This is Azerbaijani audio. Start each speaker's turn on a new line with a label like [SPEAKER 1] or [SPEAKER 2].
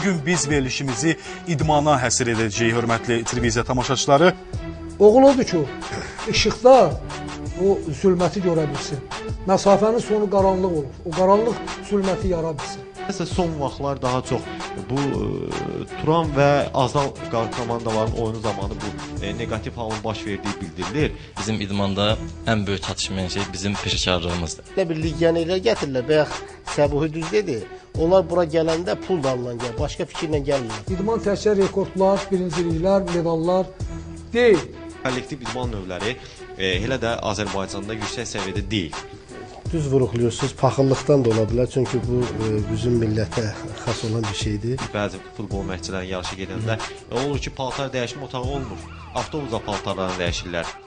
[SPEAKER 1] Bugün biz verilişimizi idmana həsr edəcəyik, hörmətli televiziya tamaşaçıları.
[SPEAKER 2] Oğul odur ki, işıqda o zülməti görə bilsin. Məsafənin sonu qaranlıq olur. O qaranlıq zülməti yara bilsin.
[SPEAKER 3] Nəsə son vaxtlar daha çox bu Turan və Azal komandaların oyunu zamanı bu negativ halın baş verdiyi bildirilir.
[SPEAKER 4] Bizim idmanda ən böyük çatışmayan şey bizim peşəkarlığımızdır.
[SPEAKER 5] Elə bir legionerlər gətirirlər, bayaq Səbuhi düz dedi. Onlar bura gələndə pul damla gəlir, başqa fikirlə gəlmirlər.
[SPEAKER 2] İdman təkcə rekordlar, birinciliklər, medallar deyil.
[SPEAKER 3] Kollektiv idman növləri elə də Azərbaycanda yüksək səviyyədə deyil.
[SPEAKER 5] Düz vuruqluyorsunuz, paxıllıqdan da ola bilər, çünki bu bizim millətə xas olan bir şeydir.
[SPEAKER 3] Bəzi futbol məşqçilərin yarışı gedəndə olur ki, paltar dəyişmə otağı olmur. Avtobusda paltarlarını dəyişirlər.